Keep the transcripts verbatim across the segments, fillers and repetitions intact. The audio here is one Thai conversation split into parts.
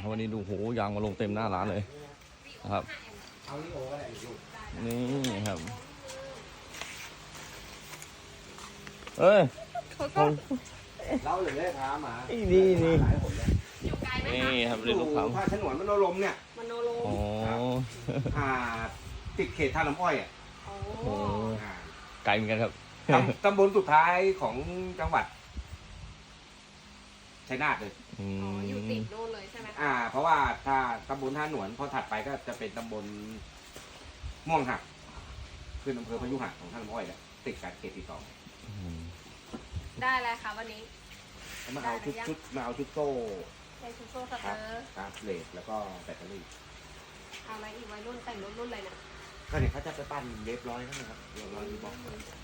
วันนี้ดูโหยางมาลงเต็มหน้าร้านเลยนะครับนี่ครับเอ้ยเขาเล่าเลยเลยพามานี่นี่นี่อยู่ไกลไหมนี่คะครับเรียนลูกค้าผ้าฉนวนมโนรมเนี่ยมโนโลอ๋ออ่าติดเขตท่าน้ำอ้อยอ่ะโอ้โอ้อ่าไกลเหมือนกันครับตำตำบลสุดท้ายของจังหวัดชัยนาทเลยอือ๋ออยู่มติดโน่นเลยใช่ไหมคะอ่า เพราะว่าถ้าตำบลท่าหนวนพอถัดไปก็จะเป็นตำบลม่วงหักคืออำเภอพยุหักของท่าน้ำอ้อยแหละติดกับเขตที่สองได้แล้วค่ะวันนี้แล้วมาเอาชุดชุดมาเอาชุดโซ่ใช้ซูโซ่สคเตรัอบ ร์ครับเลสแล้วก็แบตเตอรี่เอาอะไรอีกวัยรุ่นแต่งรถรุ่นอะไรเนี่ยก็เนี่ยเขาจะไปปั้นเรียบร้อยแล้วนะครับร้อยยูบ็อก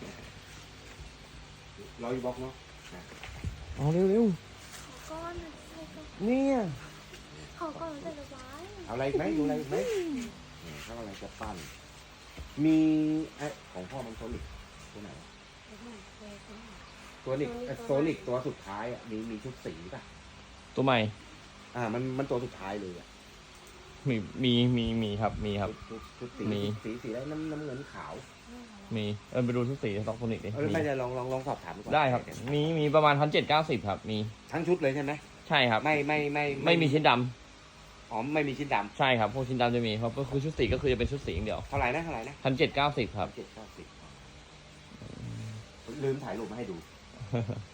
ร้อยยูบ็อกเนาะเอาเร็วเร็วก้อนๆเนี่ยขอก้อนใส่ระบายเอาอะไรอีกไหมดูอะไรอีกไหมเนี่ยเขาอะไรจะปั้นมีไอ้ของพ่อมันโซนิกตัวไหนวะตัวนิกโซนิกตัวสุดท้ายอ่ะมีมีชุดสีป่ะตัวใหม่อ่ามันมันตัวสุดท้ายเลยอ่ะมีมีมีมีครับมีครับชุดชุดสีมีสีสีอะไรน้ำน้ำเงินขาวมีเออไปดูทุกสีสต็อกโทนิกดิเออมีไม่ได้ลองลองลองสอบถามดูก่อนได้ครับ มีมีประมาณพันเจ็ดเก้าสิบครับ มีทั้งชุดเลยใช่ไหมใช่ครับไม่ไม่ไม่ไม่มีชิ้นดำอ๋อไม่มีชิ้นดใช่ครับพวกชิ้นดำจะมีเพราะก็คือชุดสีก็คือจะเป็นชุดสีอย่างเดียวำเท่าไหร่นะเท่าไหร่นะพันเจ็ดเก้าสิบครับเจ็ดเก้าสิบลืมถ่ายรูปมาให้ดู